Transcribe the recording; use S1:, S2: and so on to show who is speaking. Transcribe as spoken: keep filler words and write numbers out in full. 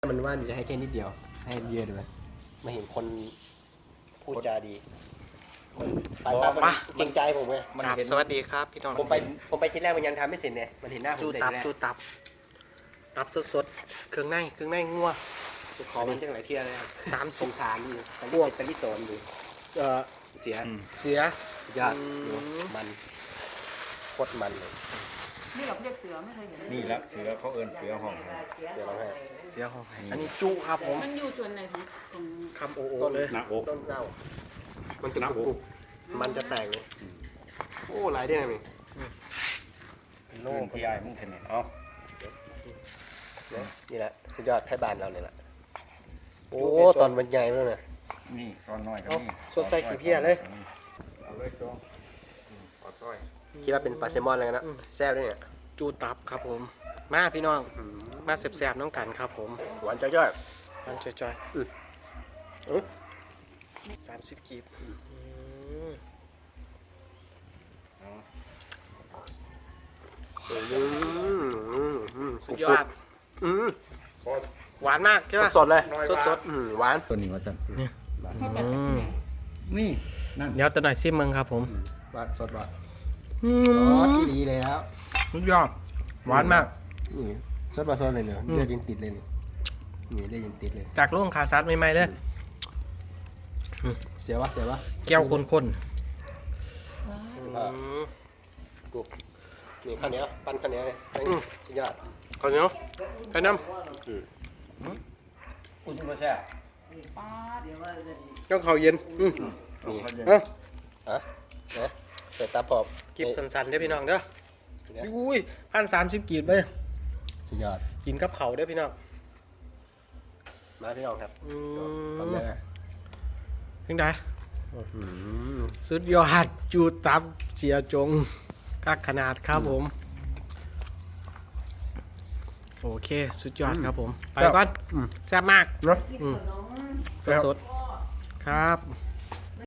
S1: มันว่าจะให้แค่นิดเดียวให้เยอะด้วยมาเห็นคนพูดจาดีคนไปไปเกรงใจผมไง
S2: ครับสวัสดีครับพี่น้อง
S1: ผมไปผมไปที่แรกมันยังทำไม่เสร็จเนี่ยมันเห็นหน้าผม
S2: จู
S1: แต่
S2: ตับ
S1: แรก
S2: จูตับตับสดๆเครื่องในเครื่องในงัว
S1: ขอมันจังหลายเที่ยเลยครับ
S2: สาม
S1: ส
S2: สิบ
S1: งสารอยู่ตะ
S2: พ
S1: ลิ
S2: วก
S1: ตะลิโตนอยู่
S2: เอ่อ
S1: เสีย
S2: เสีย
S1: ยอด
S2: อืม
S1: อยู่มันโคตรมันเลย
S3: นี่เราเรียกเสือไม่เคยเห็น
S4: นี่ละเสือเขาเอิ้นเสือห้อง
S1: เดี๋ยวเราให้
S2: เสียของอันนี้จูครับผม
S3: มันอยู่ส่วนไหนของของ
S2: คำโอโอ
S1: ต้น
S2: เลย
S4: หน้าอก
S1: ต้นเน่ามันจะกรุบๆมันจะแตกเลยโอ้หลายได้ไหม
S4: โล่งพี่ไอ้มึงเห็นไหมเอา
S1: เนี่ยนี่แหละสุดยอดให้บ้านเราเนี่ยแหละโอ้ตอนมันใหญ่แล้วเนี่ย
S4: นี่ตอนน้อยก็มี
S2: สดใส่กี่เพียเลย
S4: เอาเลยจ้องขอต้อย
S1: คิดว่าเป็นปลาแซลมอนอะไรกันนะแซ่บด้วยเนี่ย
S2: จูตับครับผม มาพี่น้องมาแซ่บๆน้องกันครับผม
S1: หวานจ้อย
S2: มันจอย
S1: อืม
S2: ๆเออสามสิบกีบอืม
S4: เอา
S1: ๆอืมอืมอืม
S2: สุดยอด
S1: อืม
S2: หวานมากใช่ไหม
S1: สดๆเลย
S2: สด
S1: อืมหวาน
S4: ตัวนี้ว่าจัน
S3: ให้แบบไหน
S4: นี่นั่น
S2: เดี๋ยวตัวหน่อยซิมมึงครับผม
S1: หวานสดหวาน
S2: อื
S1: อ๋อ
S2: ม
S1: ที่ดีแล้ว
S2: สุดยอดหวานมาก
S1: นี่สดมาสดเลยเนี่ย
S2: อืม
S1: เลือดยังติดเลยนี่นี่เลือดยังติดเลย
S2: จากโรงคาซัดใหม่ๆเลย
S1: เสียวะเสียวะ
S2: แก้วคนๆ
S1: อ่ากูนี่ข้าวเหนียวปั้นข้าวเหนียวเลย
S2: อืม
S1: สุดยอด
S2: ข้าวเหนียวไข่น้
S1: อืม
S4: อุ่นก็แซ่บ
S3: ป้าเดี๋ยวว่าจะ
S2: ำเจ้าข้าวเย็นอืม
S1: นี่
S4: เขาเย็น
S2: เอ้า
S1: อ่ะนะใส่ตาปอบ
S2: กิบสันๆเด้อพี่น้องเด้อ
S1: เนี่ย
S2: อุ้ยพันสามสิบกีบเลย
S1: สุดยอด
S2: กินกับเขาวเด้อพี่น้อง
S1: มาพี่น้องครับ
S2: อื
S1: ทำ
S2: ม
S1: ยังไง
S2: ถึงได้
S1: อืม
S2: สุดยอดจูตับเสียจงกักขนาดครับผม โอเค สุดยอดครับผม ไปก่อน
S1: อืม
S2: แซ่บมาก
S1: เนาะ
S3: กินขนม
S2: สดๆครับ